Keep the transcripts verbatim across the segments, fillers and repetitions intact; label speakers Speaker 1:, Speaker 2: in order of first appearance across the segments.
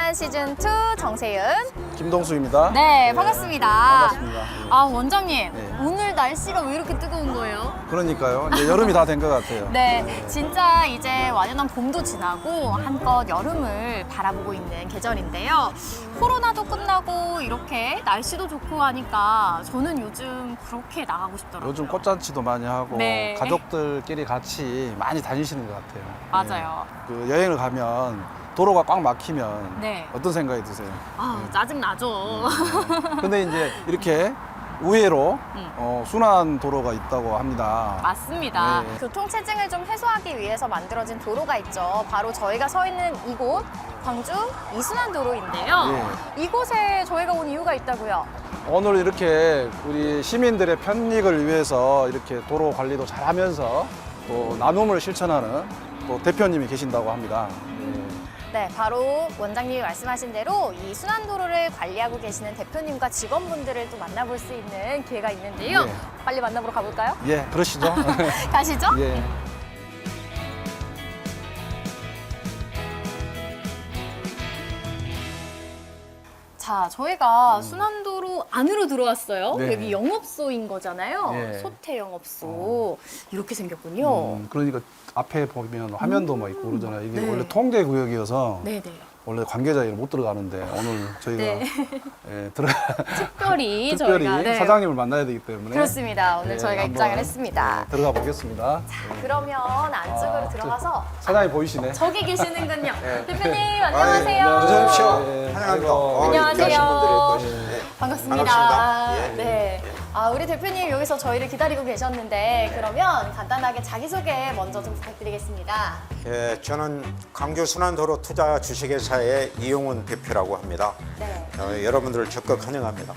Speaker 1: 순환 시즌 투 정세윤.
Speaker 2: 김동수입니다.
Speaker 1: 네, 반갑습니다.
Speaker 2: 반갑습니다.
Speaker 1: 아, 원장님.
Speaker 2: 네.
Speaker 1: 오늘 날씨가 왜 이렇게 뜨거운 거예요?
Speaker 2: 그러니까요. 이제 여름이 다 된 것 같아요.
Speaker 1: 네, 진짜 이제 완연한 봄도 지나고 한껏 여름을 바라보고 있는 계절인데요. 코로나도 끝나고 이렇게 날씨도 좋고 하니까 저는 요즘 그렇게 나가고 싶더라고요.
Speaker 2: 요즘 꽃잔치도 많이 하고
Speaker 1: 네.
Speaker 2: 가족들끼리 같이 많이 다니시는 것 같아요.
Speaker 1: 맞아요.
Speaker 2: 네. 그 여행을 가면 도로가 꽉 막히면
Speaker 1: 네.
Speaker 2: 어떤 생각이 드세요?
Speaker 1: 아, 짜증나죠.
Speaker 2: 근데 이제 이렇게 우회로
Speaker 1: 음.
Speaker 2: 어, 순환 도로가 있다고 합니다.
Speaker 1: 맞습니다.
Speaker 2: 네.
Speaker 1: 교통체증을 좀 해소하기 위해서 만들어진 도로가 있죠. 바로 저희가 서 있는 이곳, 광주 이순환도로인데요.
Speaker 2: 네.
Speaker 1: 이곳에 저희가 온 이유가 있다고요.
Speaker 2: 오늘 이렇게 우리 시민들의 편익을 위해서 이렇게 도로 관리도 잘하면서 또 나눔을 실천하는 또 대표님이 계신다고 합니다. 네.
Speaker 1: 네, 바로 원장님이 말씀하신 대로 이 순환도로를 관리하고 계시는 대표님과 직원분들을 또 만나볼 수 있는 기회가 있는데요.
Speaker 2: 네.
Speaker 1: 빨리 만나보러 가볼까요?
Speaker 2: 예, 그러시죠.
Speaker 1: 가시죠.
Speaker 2: 예.
Speaker 1: 자, 저희가 순환도로 안으로 들어왔어요.
Speaker 2: 네.
Speaker 1: 여기 영업소인 거잖아요.
Speaker 2: 네.
Speaker 1: 소태 영업소. 이렇게 생겼군요.
Speaker 2: 음, 그러니까 앞에 보면 화면도 막 있고 그러잖아요. 이게
Speaker 1: 네.
Speaker 2: 원래 통제 구역이어서
Speaker 1: 네네.
Speaker 2: 원래 관계자들이 못 들어가는데 오늘 저희가
Speaker 1: 네.
Speaker 2: 예, 들어가
Speaker 1: 특별히,
Speaker 2: 특별히
Speaker 1: 저희가 네.
Speaker 2: 사장님을 만나야 되기 때문에
Speaker 1: 그렇습니다. 오늘
Speaker 2: 예,
Speaker 1: 저희가
Speaker 2: 한번,
Speaker 1: 입장을 했습니다.
Speaker 2: 예, 들어가 보겠습니다.
Speaker 1: 그러면 안쪽으로
Speaker 2: 아,
Speaker 1: 들어가서
Speaker 2: 사장님 보이시네.
Speaker 1: 저기 계시는군요. 대표님
Speaker 2: 네,
Speaker 1: 안녕하세요.
Speaker 2: 안녕하세요.
Speaker 3: 어서 오십시오.
Speaker 2: 예,
Speaker 3: 환영합니다.
Speaker 2: 아이고.
Speaker 3: 어,
Speaker 1: 안녕하세요.
Speaker 3: 귀하신 분들이 또 오시네. 예.
Speaker 1: 반갑습니다.
Speaker 3: 반갑습니다. 예.
Speaker 1: 네. 아, 우리 대표님 여기서 저희를 기다리고 계셨는데 그러면 간단하게 자기소개 먼저 좀 부탁드리겠습니다.
Speaker 3: 예, 저는 광주 순환도로 투자 주식회사의 이용훈 대표라고 합니다.
Speaker 1: 네.
Speaker 3: 어, 여러분들을 적극 환영합니다.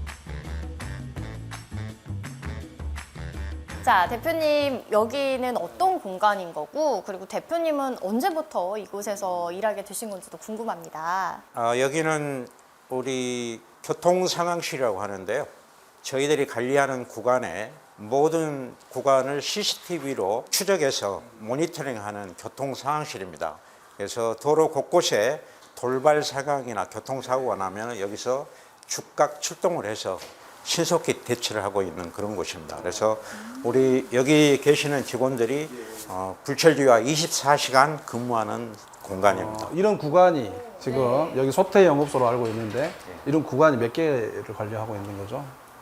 Speaker 1: 자, 대표님 여기는 어떤 공간인 거고 그리고 대표님은 언제부터 이곳에서 일하게 되신 건지도 궁금합니다.
Speaker 3: 어, 여기는 우리 교통상황실이라고 하는데요. 저희들이 관리하는 구간에 모든 구간을 씨씨티비로 추적해서 모니터링하는 교통상황실입니다. 그래서 도로 곳곳에 돌발 상황이나 교통사고가 나면 여기서 즉각 출동을 해서 신속히 대처를 하고 있는 그런 곳입니다. 그래서 우리 여기 계시는 직원들이 어, 불철주야 이십사 시간 근무하는 공간입니다.
Speaker 2: 어, 이런 구간이 지금 여기 소태 영업소로 알고 있는데 이런 구간이 몇 개를 관리하고 있는 거죠?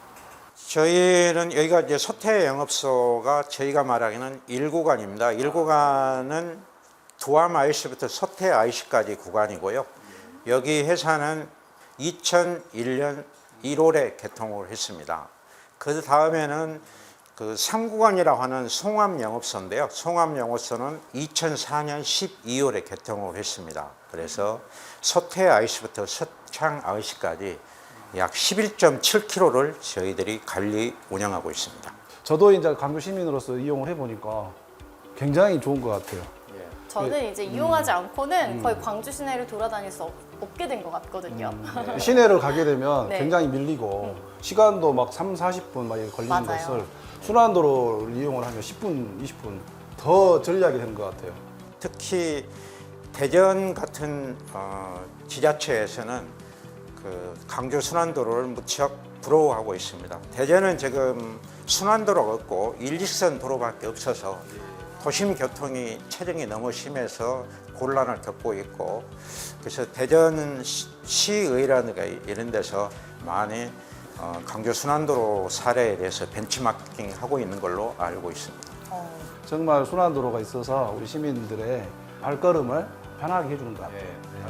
Speaker 3: 저희는 여기가 이제 소태 영업소가 저희가 말하기는 일 구간입니다. 일 구간은 두암 아이씨부터 소태 아이씨까지 구간이고요. 여기 회사는 이천일 년 일월에 개통을 했습니다. 그 다음에는 그 삼 구간이라고 하는 송암 영업소인데요. 송암 영업소는 이천사 년 십이월에 개통을 했습니다. 그래서 소태 아이씨부터 서창 아이씨까지 약 십일 점 칠 킬로미터를 저희들이 관리 운영하고 있습니다.
Speaker 2: 저도 이제 광주 시민으로서 이용을 해보니까 굉장히 좋은 것 같아요.
Speaker 1: 저는 이제 이용하지 않고는 거의 광주 시내를 돌아다닐 수 없, 없게 된 것 같거든요.
Speaker 2: 시내를 가게 되면
Speaker 1: 네.
Speaker 2: 굉장히 밀리고 시간도 막 삼, 사십 분 막 걸리는
Speaker 1: 맞아요.
Speaker 2: 것을 순환도로를 이용을 하면 십 분, 이십 분 더 전략이 되는 것 같아요.
Speaker 3: 특히 대전 같은 어, 지자체에서는 그 광주 순환도로를 무척 부러워하고 있습니다. 대전은 지금 순환도로가 없고 일직선 도로밖에 없어서 도심 교통이 체증이 너무 심해서 곤란을 겪고 있고 그래서 대전 시의회라든가 이런 데서 많이 어, 광주 순환도로 사례에 대해서 벤치마킹하고 있는 걸로 알고 있습니다.
Speaker 1: 어,
Speaker 2: 정말 순환도로가 있어서 우리 시민들의 발걸음을 편하게 해주는 것 같아요.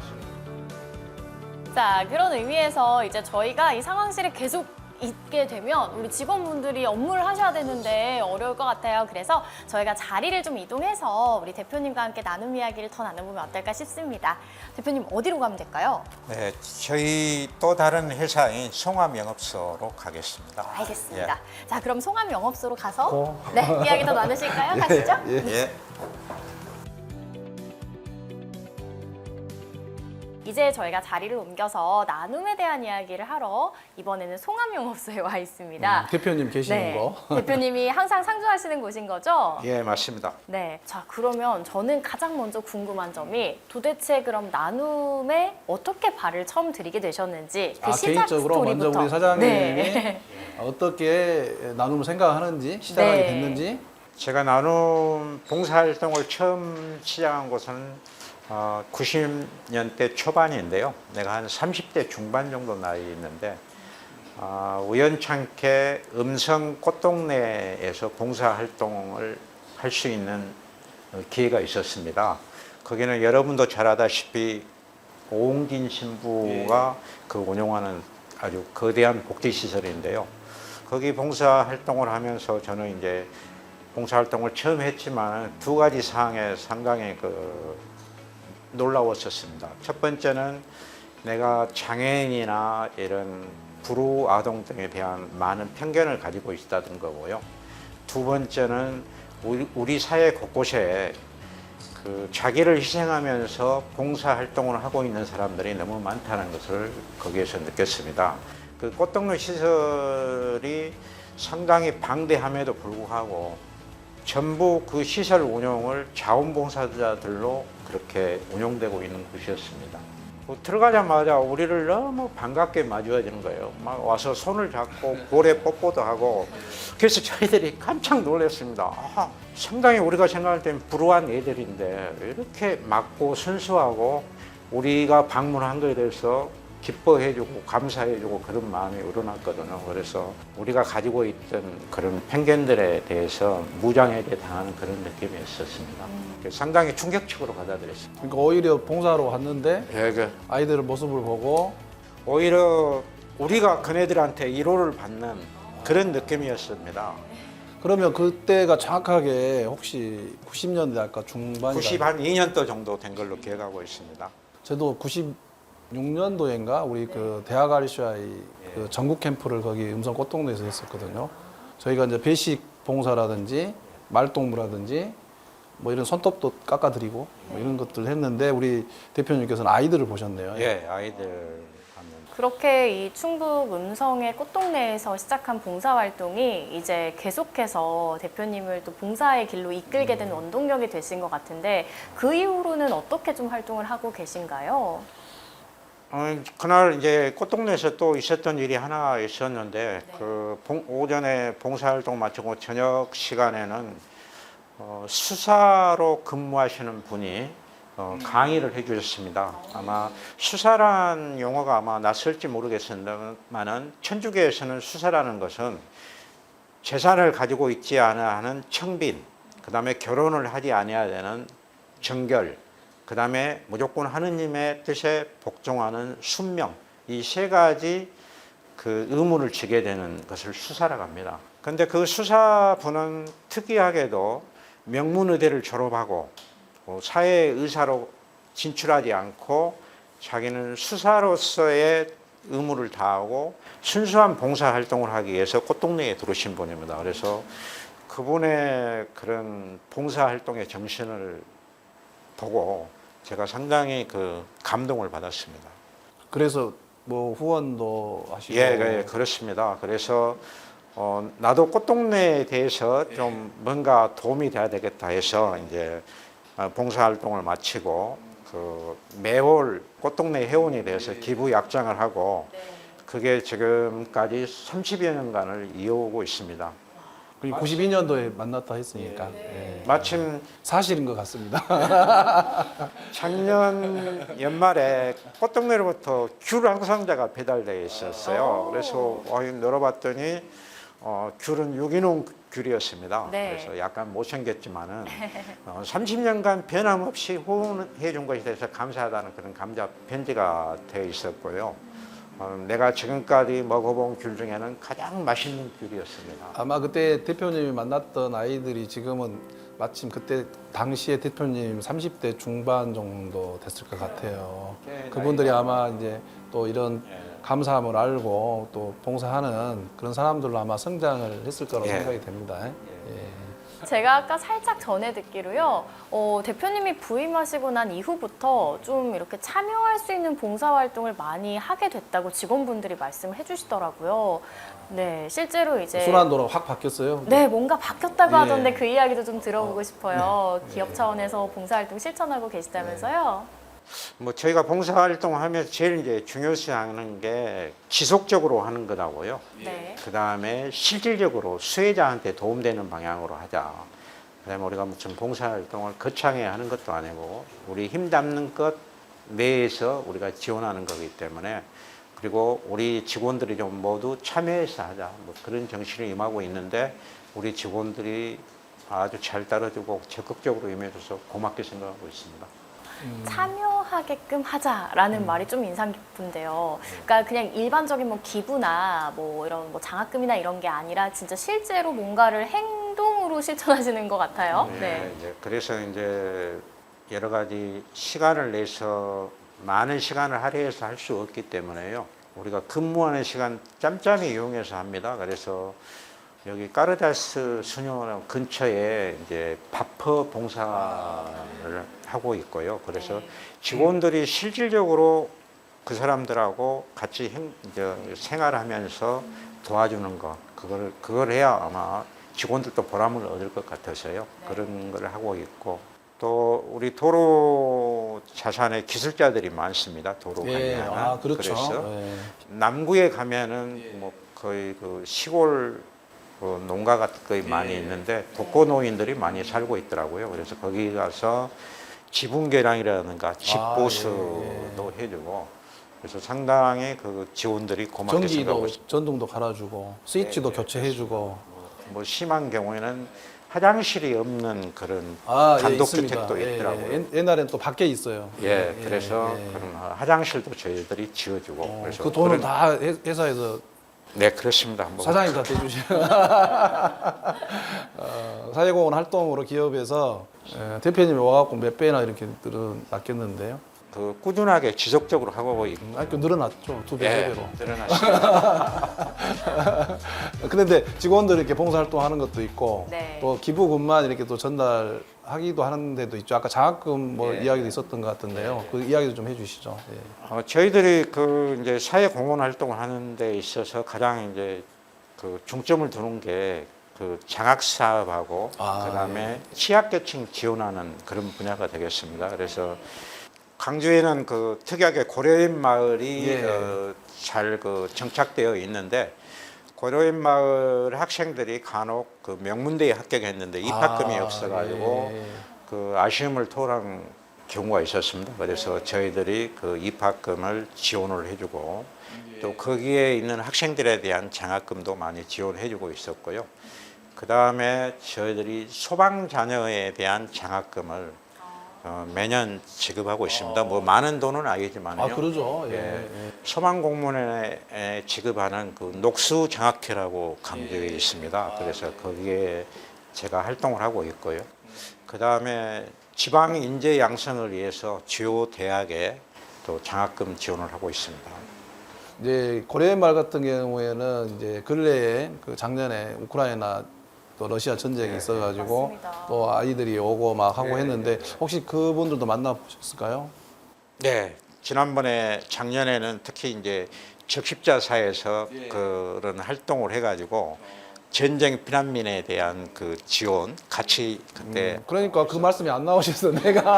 Speaker 1: 자, 그런 의미에서 이제 저희가 이 상황실에 계속 있게 되면 우리 직원분들이 업무를 하셔야 되는데 어려울 것 같아요. 그래서 저희가 자리를 좀 이동해서 우리 대표님과 함께 나눔 이야기를 더 나눠보면 어떨까 싶습니다. 대표님 어디로 가면 될까요?
Speaker 3: 네, 저희 또 다른 회사인 송암 영업소로 가겠습니다.
Speaker 1: 알겠습니다. 자, 그럼 송암 영업소로 가서
Speaker 2: 고.
Speaker 1: 네, 이야기 더 나누실까요? 가시죠.
Speaker 2: 예.
Speaker 3: 예.
Speaker 1: 이제 저희가 자리를 옮겨서 나눔에 대한 이야기를 하러 이번에는 송암용업소에 와 있습니다.
Speaker 2: 음, 대표님 계시는
Speaker 1: 네.
Speaker 2: 거.
Speaker 1: 대표님이 항상 상주하시는 곳인 거죠?
Speaker 3: 예, 맞습니다.
Speaker 1: 네. 자, 그러면 저는 가장 먼저 궁금한 점이 도대체 그럼 나눔에 어떻게 발을 처음 들이게 되셨는지 그
Speaker 2: 아,
Speaker 1: 시작
Speaker 2: 개인적으로 먼저
Speaker 1: 스토리부터.
Speaker 2: 우리 사장님이
Speaker 1: 네.
Speaker 2: 어떻게 나눔을 생각하는지 시작하게
Speaker 1: 네.
Speaker 2: 됐는지.
Speaker 3: 제가 나눔 봉사활동을 처음 시작한 곳은 어, 구십 년대 초반인데요. 내가 한 삼십 대 중반 정도 나이 있는데 어, 우연찮게 음성 꽃동네에서 봉사활동을 할 수 있는 기회가 있었습니다. 거기는 여러분도 잘 아다시피 오웅진 신부가 그 운영하는 아주 거대한 복지시설인데요. 거기 봉사활동을 하면서 저는 이제 봉사활동을 처음 했지만 두 가지 사항에 상당히 그 놀라웠었습니다. 첫 번째는 내가 장애인이나 이런 불우 아동 등에 대한 많은 편견을 가지고 있다는 거고요. 두 번째는 우리, 우리 사회 곳곳에 그 자기를 희생하면서 봉사활동을 하고 있는 사람들이 너무 많다는 것을 거기에서 느꼈습니다. 그 꽃동네 시설이 상당히 방대함에도 불구하고 전부 그 시설 운영을 자원봉사자들로 그렇게 운영되고 있는 곳이었습니다. 뭐 들어가자마자 우리를 너무 반갑게 맞이해주는 거예요. 막 와서 손을 잡고 볼에 뽀뽀도 하고. 그래서 저희들이 깜짝 놀랐습니다. 아, 상당히 우리가 생각할 때는 불우한 애들인데 이렇게 맑고 순수하고 우리가 방문한 거에 대해서 기뻐해주고 감사해주고 그런 마음이 우러났거든요. 그래서 우리가 가지고 있던 그런 편견들에 대해서 무장에게 당하는 그런 느낌이 있었습니다. 상당히 충격적으로 받아들였습니다.
Speaker 2: 그러니까 오히려 봉사하러 왔는데
Speaker 3: 예, 그
Speaker 2: 아이들 모습을 보고
Speaker 3: 오히려 우리가 그네들한테 위로를 받는 그런 느낌이었습니다.
Speaker 2: 그러면 그때가 정확하게 혹시 구십 년대 아까 중반이다.
Speaker 3: 구십이 년도 정도 된 걸로 기억하고 있습니다.
Speaker 2: 저도 구십육 년도인가 우리 그 대학 아르시아이 그 전국 캠프를 거기 음성 꽃동네에서 했었거든요. 저희가 이제 배식 봉사라든지 말동무라든지 뭐 이런 손톱도 깎아드리고 뭐 이런 것들 했는데 우리 대표님께서는 아이들을 보셨네요.
Speaker 3: 예, 아이들 하면
Speaker 1: 그렇게 이 충북 음성의 꽃동네에서 시작한 봉사활동이 이제 계속해서 대표님을 또 봉사의 길로 이끌게 된 원동력이 되신 것 같은데 그 이후로는 어떻게 좀 활동을 하고 계신가요?
Speaker 3: 어, 그날 이제 꽃동네에서 또 있었던 일이 하나 있었는데
Speaker 1: 네.
Speaker 3: 그 봉, 오전에 봉사활동 마치고 저녁 시간에는 어, 수사로 근무하시는 분이 어, 강의를 해주셨습니다. 아마 수사란 용어가 아마 낯설지 모르겠습니다만은 천주교에서는 수사라는 것은 재산을 가지고 있지 않아 하는 청빈, 그 다음에 결혼을 하지 아니해야 되는 정결, 그 다음에 무조건 하느님의 뜻에 복종하는 순명, 이 세 가지 그 의무를 지게 되는 것을 수사라고 합니다. 근데 그 수사부는 특이하게도 명문의대를 졸업하고 사회의사로 진출하지 않고 자기는 수사로서의 의무를 다하고 순수한 봉사활동을 하기 위해서 꽃동네에 들어오신 분입니다. 그래서 그분의 그런 봉사활동의 정신을 보고 제가 상당히 그 감동을 받았습니다.
Speaker 2: 그래서 뭐 후원도 하시고.
Speaker 3: 예, 예, 그렇습니다. 그래서 어, 나도 꽃동네에 대해서 좀 뭔가 도움이 돼야 되겠다 해서 이제 봉사활동을 마치고 그 매월 꽃동네 회원에 대해서 기부 약정을 하고 그게 지금까지 삼십여 년간을 이어오고 있습니다.
Speaker 2: 그리고 구십이 년도에 만났다 했으니까 예.
Speaker 3: 마침
Speaker 2: 사실인 것 같습니다.
Speaker 3: 작년 연말에 꽃동네로부터 귤 한 상자가 배달되어 있었어요. 그래서 열어봤더니 어, 귤은 유기농 귤이었습니다.
Speaker 1: 네.
Speaker 3: 그래서 약간 못생겼지만은 어, 삼십 년간 변함없이 후원해 준 것에 대해서 감사하다는 그런 감자 편지가 되어 있었고요. 어, 내가 지금까지 먹어본 귤 중에는 가장 맛있는 귤이었습니다.
Speaker 2: 아마 그때 대표님이 만났던 아이들이 지금은 마침 그때 당시에 대표님 삼십 대 중반 정도 됐을 것 같아요.
Speaker 3: 네,
Speaker 2: 그분들이
Speaker 3: 나이가
Speaker 2: 아마 이제 또 이런 감사함을 알고 또 봉사하는 그런 사람들로 아마 성장을 했을 거라고
Speaker 3: 예.
Speaker 2: 생각이 됩니다. 예.
Speaker 1: 제가 아까 살짝 전에 듣기로요, 어, 대표님이 부임하시고 난 이후부터 좀 이렇게 참여할 수 있는 봉사활동을 많이 하게 됐다고 직원분들이 말씀을 해주시더라고요. 네, 실제로 이제.
Speaker 2: 순환도로 확 바뀌었어요.
Speaker 1: 네, 뭔가 바뀌었다고
Speaker 2: 예.
Speaker 1: 하던데 그 이야기도 좀 들어보고 싶어요.
Speaker 2: 네.
Speaker 1: 기업 차원에서 봉사활동 실천하고 계시다면서요?
Speaker 3: 뭐 저희가 봉사활동하면서 제일 이제 중요시 하는 게 지속적으로 하는 거라고요.
Speaker 1: 네.
Speaker 3: 그 다음에 실질적으로 수혜자한테 도움되는 방향으로 하자. 그다음에 우리가 무슨 봉사활동을 거창하게 하는 것도 아니고 우리 힘 닿는 것 내에서 우리가 지원하는 거기 때문에, 그리고 우리 직원들이 좀 모두 참여해서 하자, 뭐 그런 정신을 임하고 있는데 우리 직원들이 아주 잘 따라주고 적극적으로 임해줘서 고맙게 생각하고 있습니다.
Speaker 1: 참여하게끔 하자라는
Speaker 2: 음.
Speaker 1: 말이 좀 인상 깊은데요. 그러니까 그냥 일반적인 뭐 기부나 뭐 이런 뭐 장학금이나 이런 게 아니라 진짜 실제로 뭔가를 행동으로 실천하시는 것 같아요. 네.
Speaker 3: 이제 그래서 이제 여러 가지 시간을 내서 많은 시간을 할애해서 할 수 없기 때문에요. 우리가 근무하는 시간 짬짬이 이용해서 합니다. 그래서 여기 까르다스 수녀원 근처에 이제 바퍼 봉사를 하고 있고요. 그래서 직원들이 실질적으로 그 사람들하고 같이 행, 이제 생활하면서 도와주는 것, 그걸 그걸 해야 아마 직원들도 보람을 얻을 것 같아서요. 그런 걸 하고 있고, 또 우리 도로 자산에 기술자들이 많습니다. 도로
Speaker 2: 예,
Speaker 3: 관리하는.
Speaker 2: 아, 그렇죠.
Speaker 3: 그래서
Speaker 2: 예.
Speaker 3: 남구에 가면은 뭐 거의 그 시골 그 농가가 거의 많이 있는데 독거노인들이 많이 살고 있더라고요. 그래서 거기 가서 지붕계량이라든가 집보수도 해주고, 그래서 상당히 그 지원들이 고맙게 생각하고
Speaker 2: 전기도
Speaker 3: 있습니다.
Speaker 2: 전등도 갈아주고 스위치도 교체해주고.
Speaker 3: 뭐 심한 경우에는 화장실이 없는 그런
Speaker 2: 아, 예,
Speaker 3: 단독주택도
Speaker 2: 있습니다. 예,
Speaker 3: 있더라고요.
Speaker 2: 예. 옛날엔 또 밖에 있어요.
Speaker 3: 예, 그래서
Speaker 2: 예.
Speaker 3: 그런 화장실도 저희들이 지어주고.
Speaker 2: 어,
Speaker 3: 그래서
Speaker 2: 그 돈은
Speaker 3: 그런-
Speaker 2: 다 회- 회사에서
Speaker 3: 네, 그렇습니다. 뭐
Speaker 2: 사장님 다 대주시는. 어, 사회공헌 활동으로 기업에서 예, 대표님이 와갖고 몇 배나 이렇게 늘어났겠는데요.
Speaker 3: 그 꾸준하게 지속적으로 하고 있고.
Speaker 2: 아, 그 늘어났죠. 두 배,
Speaker 3: 예,
Speaker 2: 세 배로.
Speaker 3: 늘어났습니다.
Speaker 2: 그런데 직원들 이렇게 봉사활동 하는 것도 있고
Speaker 1: 네.
Speaker 2: 또 기부금만 이렇게 또 전달하기도 하는 데도 있죠. 아까 장학금 뭐
Speaker 3: 예.
Speaker 2: 이야기도 있었던 것 같은데요. 그 이야기도 좀 해주시죠. 예.
Speaker 3: 어, 저희들이 그 이제 사회 공헌 활동을 하는 데 있어서 가장 이제 그 중점을 두는 게 그 장학 사업하고
Speaker 2: 아,
Speaker 3: 그다음에 취약계층 지원하는 그런 분야가 되겠습니다. 그래서 광주에는 그 특이하게 고려인 마을이
Speaker 2: 예.
Speaker 3: 어, 잘 그 정착되어 있는데, 고려인 마을 학생들이 간혹 그 명문대에 합격했는데 입학금이
Speaker 2: 아,
Speaker 3: 없어가지고
Speaker 2: 예.
Speaker 3: 그 아쉬움을 토한 경우가 있었습니다. 그래서 저희들이 그 입학금을 지원을 해주고, 또 거기에 있는 학생들에 대한 장학금도 많이 지원해주고 있었고요. 그 다음에 저희들이 소방 자녀에 대한 장학금을 어, 매년 지급하고 있습니다. 뭐 많은 돈은 아니지만요.
Speaker 2: 아, 그러죠. 예.
Speaker 3: 예.
Speaker 2: 예.
Speaker 3: 소방 공무원에 지급하는 그 녹수 장학회라고 강조해 있습니다. 그래서 거기에 제가 활동을 하고 있고요. 그 다음에 지방 인재 양성을 위해서 주요 대학에 또 장학금 지원을 하고 있습니다.
Speaker 2: 이제 고려인마을 같은 경우에는 이제 근래에 그 작년에 우크라이나 또 러시아 전쟁이 있어가지고
Speaker 1: 맞습니다.
Speaker 2: 또 아이들이 오고 막 하고
Speaker 3: 네,
Speaker 2: 했는데 혹시 그분들도 만나보셨을까요?
Speaker 3: 네, 지난번에 작년에는 특히 이제 적십자사에서 그런 활동을 해가지고 전쟁 피난민에 대한 그 지원 같이 그때
Speaker 2: 음, 그러니까 그 말씀이 안 나오셔서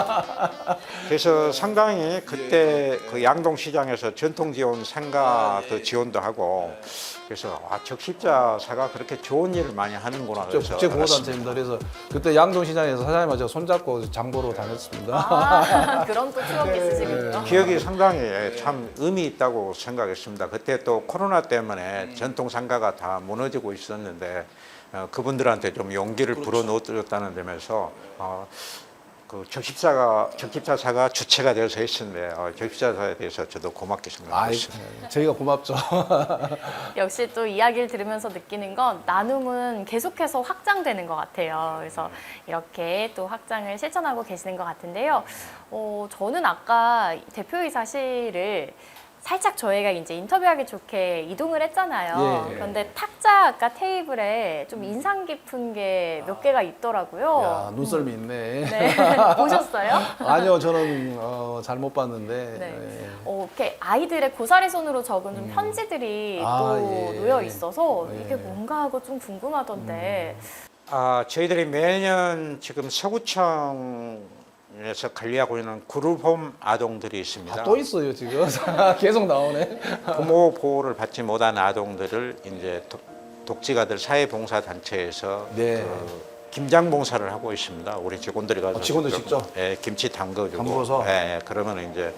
Speaker 2: 내가
Speaker 3: 그래서 상당히 그때 그 양동시장에서 전통지원 상가 그 지원도 하고, 그래서 아, 적십자사가 그렇게 좋은 일을 많이 하는구나.
Speaker 2: 저
Speaker 3: 그래서
Speaker 2: 국제구호단체입니다. 그래서 그때 양동시장에서 사장님하고 제가 손잡고 장보러 다녔습니다.
Speaker 1: 아, 그런 또 추억이 있으시군요.
Speaker 3: 기억이 상당히 참 의미 있다고 생각했습니다. 그때 또 코로나 때문에 전통 상가가 다 무너지고 있었는데 어, 그분들한테 좀 용기를 불어넣었다는 점에서 어, 그 적십사가 적십자사가 주체가 되어서 했는데 어, 적십자사에 대해서 저도 고맙게 생각하고
Speaker 2: 아이,
Speaker 3: 있습니다.
Speaker 2: 저희가 고맙죠.
Speaker 1: 역시 또 이야기를 들으면서 느끼는 건 나눔은 계속해서 확장되는 것 같아요. 그래서 이렇게 또 확장을 실천하고 계시는 것 같은데요. 어, 저는 아까 대표이사실을 살짝 저희가 이제 인터뷰하기 좋게 이동을 했잖아요.
Speaker 2: 예.
Speaker 1: 그런데 탁자 아까 테이블에 좀 인상 깊은 게 몇 개가 있더라고요.
Speaker 2: 야, 눈썰미 있네.
Speaker 1: 네. 보셨어요?
Speaker 2: 아니요, 저는 어, 잘 못 봤는데.
Speaker 1: 네.
Speaker 2: 예.
Speaker 1: 어, 이렇게 아이들의 고사리 손으로 적은 좀 편지들이
Speaker 2: 아,
Speaker 1: 또
Speaker 2: 예.
Speaker 1: 놓여 있어서
Speaker 2: 예.
Speaker 1: 이게 뭔가 하고 좀 궁금하던데.
Speaker 3: 아, 저희들이 매년 지금 서구청에서 관리하고 있는 그룹홈 아동들이 있습니다.
Speaker 2: 아, 또 있어요, 지금. 계속 나오네.
Speaker 3: 부모 보호를 받지 못한 아동들을 이제 독, 독지가들 사회봉사단체에서
Speaker 2: 네.
Speaker 3: 그 김장 봉사를 하고 있습니다. 우리 직원들이 가서
Speaker 2: 아, 직원들 직접?
Speaker 3: 예, 김치 담궈주고.
Speaker 2: 담궈서?
Speaker 3: 예, 예, 그러면 이제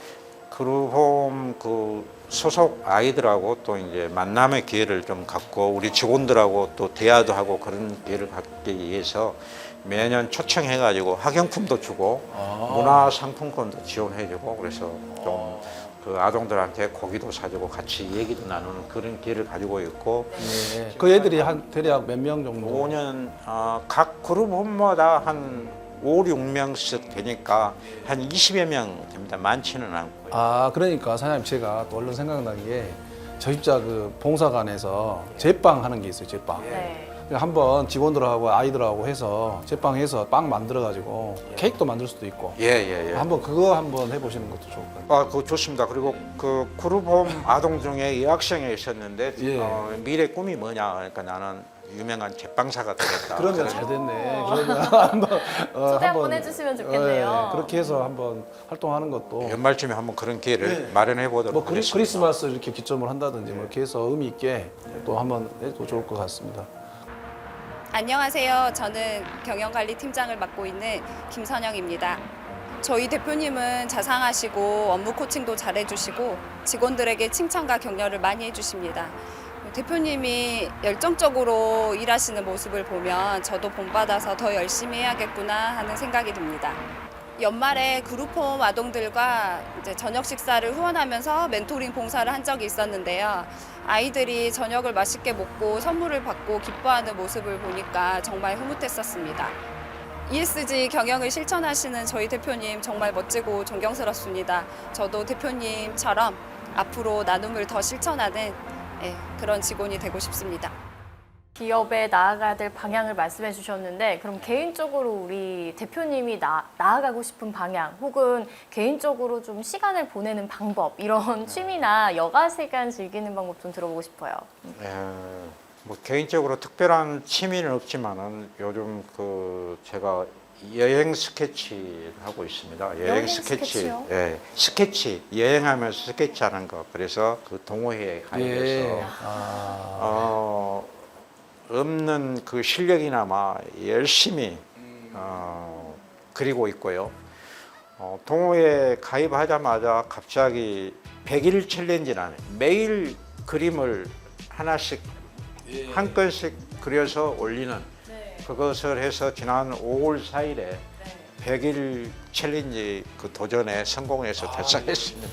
Speaker 3: 그룹홈 그 소속 아이들하고 또 이제 만남의 기회를 좀 갖고 우리 직원들하고 또 대화도 하고 그런 기회를 갖기 위해서 매년 초청해가지고 학용품도 주고
Speaker 2: 아.
Speaker 3: 문화 상품권도 지원해주고 그래서 좀 그 아동들한테 고기도 사주고 같이 얘기도 나누는 그런 기회를 가지고 있고
Speaker 2: 예. 그 애들이 한 대략 몇 명 정도?
Speaker 3: 오 년 어, 각 그룹홈마다 한 오, 육 명씩 되니까 한 이십여 명 됩니다. 많지는 않고요.
Speaker 2: 아, 그러니까 사장님 제가 또 얼른 생각난 게 저 입자 그 봉사관에서 제빵 하는 게 있어요, 제빵.
Speaker 1: 네.
Speaker 2: 한번 직원들하고 아이들하고 해서 제빵해서 빵 만들어 가지고 케이크도 만들 수도 있고
Speaker 3: 예, 예, 예.
Speaker 2: 한번 그거 한번 해보시는 것도 좋을 것 같아요.
Speaker 3: 아, 그거 좋습니다. 그리고 그 그룹홈 아동 중에 여학생이 있었는데
Speaker 2: 예.
Speaker 3: 어, 미래 꿈이 뭐냐? 그러니까 나는 유명한 제빵사가 되겠다.
Speaker 2: 그러면
Speaker 3: 그래서
Speaker 2: 잘 됐네. 그러면 한번 어,
Speaker 1: 초대 한번 해주시면 좋겠네요.
Speaker 2: 예, 그렇게 해서 한번 활동하는 것도
Speaker 3: 연말쯤에 한번 그런 기회를
Speaker 2: 네.
Speaker 3: 마련해 보도록
Speaker 2: 뭐 크리,
Speaker 3: 하겠습니다.
Speaker 2: 크리스마스 이렇게 기점을 한다든지 뭐 이렇게 해서 의미 있게 또 한번 해도 좋을 것 같습니다.
Speaker 4: 안녕하세요. 저는 경영관리팀장을 맡고 있는 김선영입니다. 저희 대표님은 자상하시고 업무 코칭도 잘해주시고 직원들에게 칭찬과 격려를 많이 해주십니다. 대표님이 열정적으로 일하시는 모습을 보면 저도 본받아서 더 열심히 해야겠구나 하는 생각이 듭니다. 연말에 그룹홈 아동들과 이제 저녁 식사를 후원하면서 멘토링 봉사를 한 적이 있었는데요. 아이들이 저녁을 맛있게 먹고 선물을 받고 기뻐하는 모습을 보니까 정말 흐뭇했었습니다. 이에스지 경영을 실천하시는 저희 대표님 정말 멋지고 존경스럽습니다. 저도 대표님처럼 앞으로 나눔을 더 실천하는 예, 그런 직원이 되고 싶습니다.
Speaker 1: 기업에 나아가야 될 방향을 말씀해 주셨는데 그럼 개인적으로 우리 대표님이 나, 나아가고 싶은 방향 혹은 개인적으로 좀 시간을 보내는 방법 이런 취미나 여가 시간 즐기는 방법 좀 들어보고 싶어요.
Speaker 3: 예, 뭐 개인적으로 특별한 취미는 없지만은 요즘 그 제가 여행 스케치 하고 있습니다. 여행,
Speaker 1: 여행
Speaker 3: 스케치,
Speaker 1: 스케치요?
Speaker 3: 예, 스케치 여행하면서 스케치하는 거. 그래서 그 동호회에 가입해서
Speaker 2: 예. 아,
Speaker 3: 어, 없는 그 실력이나마 열심히 어, 그리고 있고요. 어, 동호회 가입하자마자 갑자기 백 일 챌린지라는 매일 그림을 하나씩 한 건씩 그려서 올리는 그것을 해서 지난 오월 사일에 백 일 챌린지 그 도전에 성공해서 달성했습니다.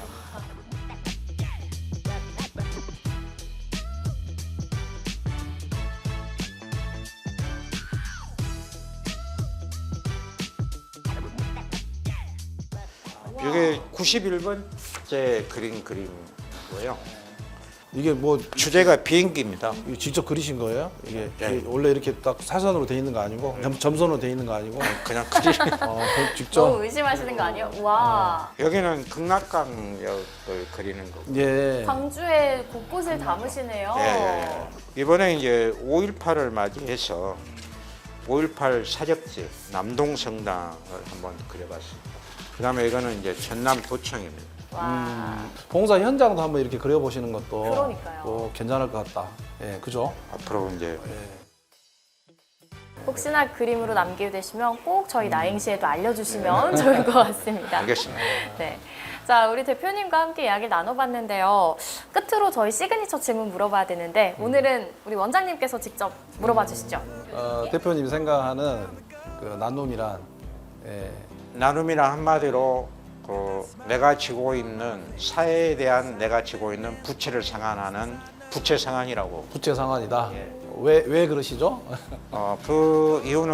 Speaker 3: 이게 구십일 번째 그린 그림이고요.
Speaker 2: 이게 뭐
Speaker 3: 주제가 비행기입니다.
Speaker 2: 이거 직접 그리신 거예요? 이게,
Speaker 3: 네.
Speaker 2: 이게 원래 이렇게 딱 사선으로 돼 있는 거 아니고 점, 점선으로 돼 있는 거 아니고
Speaker 3: 그냥 그림.
Speaker 2: 어, 그 직접
Speaker 1: 너무 의심하시는 거 아니에요? 와
Speaker 3: 여기는 극락강역을 그리는 거고.
Speaker 2: 예.
Speaker 1: 광주에 곳곳을 담으시네요.
Speaker 3: 예, 예, 예. 이번에 이제 오일팔을 맞이해서 오일팔 사적지 남동성당을 한번 그려봤습니다. 그다음에 이거는 이제 전남 도청입니다.
Speaker 1: 와
Speaker 2: 봉사 현장도 한번 이렇게 그려보시는 것도
Speaker 1: 그러니까요.
Speaker 2: 또 괜찮을 것 같다. 예, 그죠?
Speaker 3: 앞으로 이제
Speaker 1: 혹시나 그림으로 남기게 되시면 꼭 저희 나행시에도 알려주시면 좋을 것 같습니다.
Speaker 3: 알겠습니다.
Speaker 1: 네. 자, 우리 대표님과 함께 이야기 나눠봤는데요. 끝으로 저희 시그니처 질문 물어봐야 되는데 오늘은 우리 원장님께서 직접 물어봐 주시죠.
Speaker 2: 어, 대표님이 생각하는 그 나눔이란 예,
Speaker 3: 나눔이란 한마디로 그 내가 지고 있는 사회에 대한 내가 지고 있는 부채를 상환하는 부채 상환이라고.
Speaker 2: 부채 상환이다. 왜, 왜 그러시죠?
Speaker 3: 어, 그 이유는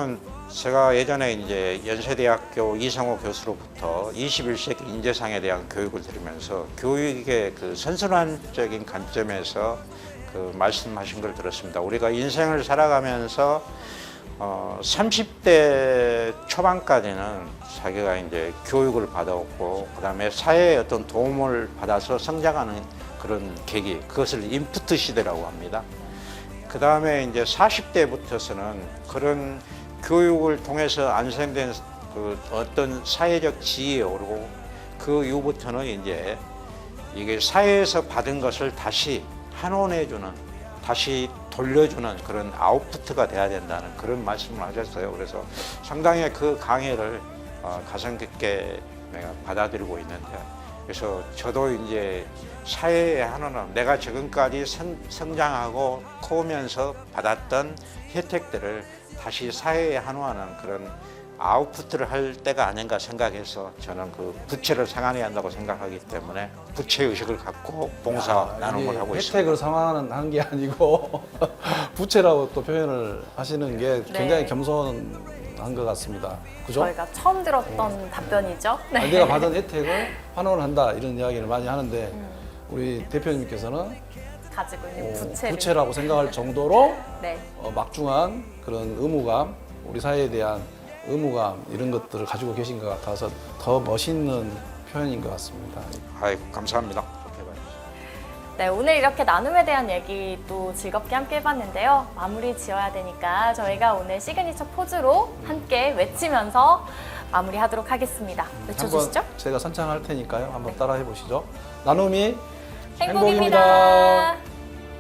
Speaker 3: 제가 예전에 이제 연세대학교 이상호 교수로부터 이십일 세기 인재상에 대한 교육을 들으면서 교육의 그 선순환적인 관점에서 그 말씀하신 걸 들었습니다. 우리가 인생을 살아가면서 어, 삼십 대 초반까지는 자기가 이제 교육을 받아왔고, 그 다음에 사회의 어떤 도움을 받아서 성장하는 그런 계기, 그것을 인프트 시대라고 합니다. 그 다음에 이제 사십 대부터서는 그런 교육을 통해서 안생된 그 어떤 사회적 지위에 오르고, 그 이후부터는 이제 이게 사회에서 받은 것을 다시 환원해주는, 다시 돌려주는 그런 아웃푸트가 돼야 된다는 그런 말씀을 하셨어요. 그래서 상당히 그 강의를 어, 가슴 깊게 내가 받아들이고 있는데, 그래서 저도 이제 사회의 환원은 내가 지금까지 성, 성장하고 커오면서 받았던 혜택들을 다시 사회에 환원하는 그런 아웃푸트를 할 때가 아닌가 생각해서 저는 그 부채를 상환해야 한다고 생각하기 때문에 부채 의식을 갖고 봉사
Speaker 2: 야,
Speaker 3: 나눔을
Speaker 2: 이게
Speaker 3: 하고
Speaker 2: 혜택을
Speaker 3: 있습니다.
Speaker 2: 상환하는 게 아니고 부채라고 또 표현을 하시는 게
Speaker 1: 네.
Speaker 2: 굉장히 겸손한 것 같습니다. 그죠?
Speaker 1: 저희가 처음 들었던 답변이죠. 네.
Speaker 2: 아니, 내가 받은 혜택을 환원한다 이런 이야기를 많이 하는데 우리 대표님께서는
Speaker 1: 가지고 있는
Speaker 2: 어,
Speaker 1: 부채를.
Speaker 2: 부채라고 생각할 정도로
Speaker 1: 네.
Speaker 2: 어, 막중한 그런 의무감, 우리 사회에 대한 의무감 이런 것들을 가지고 계신 것 같아서 더 멋있는 표현인 것 같습니다.
Speaker 3: 아이고, 감사합니다. 좋게 봐주세요.
Speaker 1: 네, 오늘 이렇게 나눔에 대한 얘기 또 즐겁게 함께 해봤는데요. 마무리 지어야 되니까 저희가 오늘 시그니처 포즈로 함께 외치면서 마무리하도록 하겠습니다. 외쳐주시죠.
Speaker 2: 한번 제가 선창할 테니까요. 한번 따라해 보시죠. 나눔이
Speaker 1: 행복입니다.
Speaker 2: 행복입니다.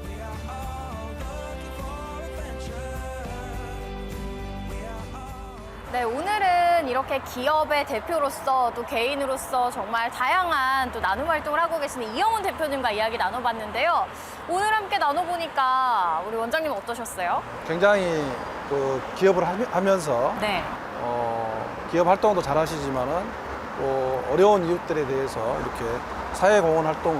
Speaker 1: 네, 오늘은 이렇게 기업의 대표로서 또 개인으로서 정말 다양한 또 나눔 활동을 하고 계시는 이영훈 대표님과 이야기 나눠봤는데요. 오늘 함께 나눠보니까 우리 원장님 어떠셨어요?
Speaker 2: 굉장히 그 기업을 하며- 하면서
Speaker 1: 네.
Speaker 2: 어, 기업 활동도 잘 하시지만은 또 어려운 이웃들에 대해서 이렇게 사회공헌 활동을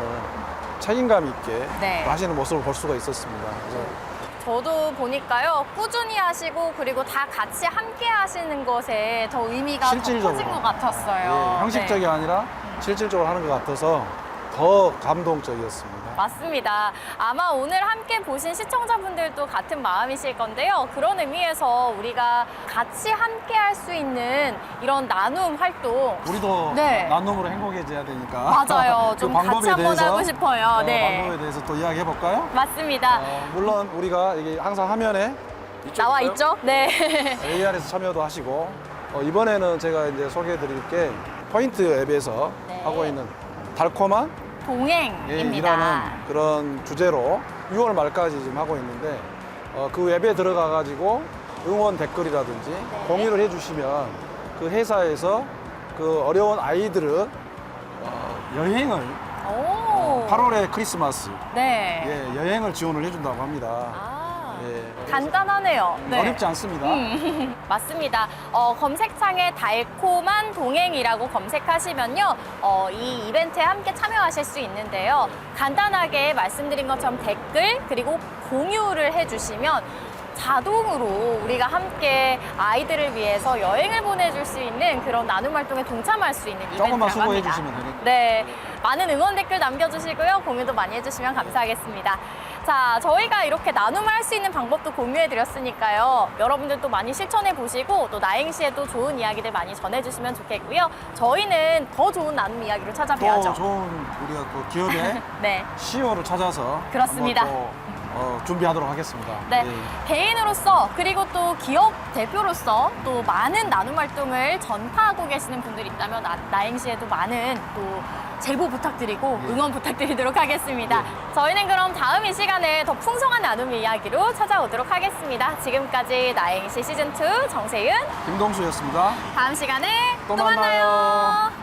Speaker 2: 책임감 있게
Speaker 1: 네.
Speaker 2: 하시는 모습을 볼 수가 있었습니다. 그래서
Speaker 1: 저도 보니까요, 꾸준히 하시고 그리고 다 같이 함께 하시는 것에 더 의미가 더
Speaker 2: 실질적으로.
Speaker 1: 커진 것 같았어요.
Speaker 2: 예, 형식적이
Speaker 1: 네.
Speaker 2: 아니라 실질적으로 하는 것 같아서 더 감동적이었습니다.
Speaker 1: 맞습니다. 아마 오늘 함께 보신 시청자분들도 같은 마음이실 건데요. 그런 의미에서 우리가 같이 함께 할 수 있는 이런 나눔 활동.
Speaker 2: 우리도
Speaker 1: 네.
Speaker 2: 나눔으로 행복해져야 되니까.
Speaker 1: 맞아요.
Speaker 2: 그
Speaker 1: 좀
Speaker 2: 방법에
Speaker 1: 같이 한번
Speaker 2: 대해서,
Speaker 1: 하고 싶어요.
Speaker 2: 어,
Speaker 1: 네.
Speaker 2: 방법에 대해서 또 이야기해 볼까요?
Speaker 1: 맞습니다.
Speaker 2: 어, 물론 우리가 이게 항상 화면에
Speaker 1: 나와 있죠? 네.
Speaker 2: 에이알에서 참여도 하시고 어, 이번에는 제가 이제 소개해 드릴 게 포인트 앱에서
Speaker 1: 네.
Speaker 2: 하고 있는 달콤한 예,
Speaker 1: 동행입니다.
Speaker 2: 일하는 그런 주제로 유월 말까지 지금 하고 있는데 어, 그 웹에 들어가 가지고 응원 댓글이라든지
Speaker 1: 네.
Speaker 2: 공유를 해주시면 그 회사에서 그 어려운 아이들을 어, 여행을
Speaker 1: 오.
Speaker 2: 팔월에 크리스마스
Speaker 1: 네.
Speaker 2: 예, 여행을 지원을 해준다고 합니다.
Speaker 1: 아.
Speaker 2: 예,
Speaker 1: 간단하네요. 네.
Speaker 2: 어렵지 않습니다.
Speaker 1: 음, 맞습니다. 어, 검색창에 달콤한 동행이라고 검색하시면요, 어, 이 이벤트에 함께 참여하실 수 있는데요. 간단하게 말씀드린 것처럼 댓글 그리고 공유를 해주시면 자동으로 우리가 함께 아이들을 위해서 여행을 보내줄 수 있는 그런 나눔 활동에 동참할 수 있는 이벤트라고
Speaker 2: 조금만 수고해
Speaker 1: 합니다.
Speaker 2: 주시면 되니까.
Speaker 1: 네, 많은 응원 댓글 남겨주시고요. 공유도 많이 해주시면 감사하겠습니다. 자, 저희가 이렇게 나눔을 할 수 있는 방법도 공유해드렸으니까요. 여러분들도 많이 실천해보시고 또 나행시에도 좋은 이야기들 많이 전해주시면 좋겠고요. 저희는 더 좋은 나눔 이야기로
Speaker 2: 또
Speaker 1: 찾아뵈야죠.
Speaker 2: 좋은 우리가 또 기업의
Speaker 1: 네.
Speaker 2: 씨이오를 찾아서
Speaker 1: 그렇습니다.
Speaker 2: 한번 또, 어, 준비하도록 하겠습니다.
Speaker 1: 네,
Speaker 2: 예.
Speaker 1: 개인으로서 그리고 또 기업 대표로서 또 많은 나눔 활동을 전파하고 계시는 분들이 있다면 나, 나행시에도 많은 또 제보 부탁드리고
Speaker 2: 예.
Speaker 1: 응원 부탁드리도록 하겠습니다. 저희는 그럼 다음 이 시간에 더 풍성한 나눔 이야기로 찾아오도록 하겠습니다. 지금까지 나행시 시즌 투 정세윤,
Speaker 2: 김동수였습니다.
Speaker 1: 다음 시간에
Speaker 2: 또
Speaker 1: 또 만나요.
Speaker 2: 만나요.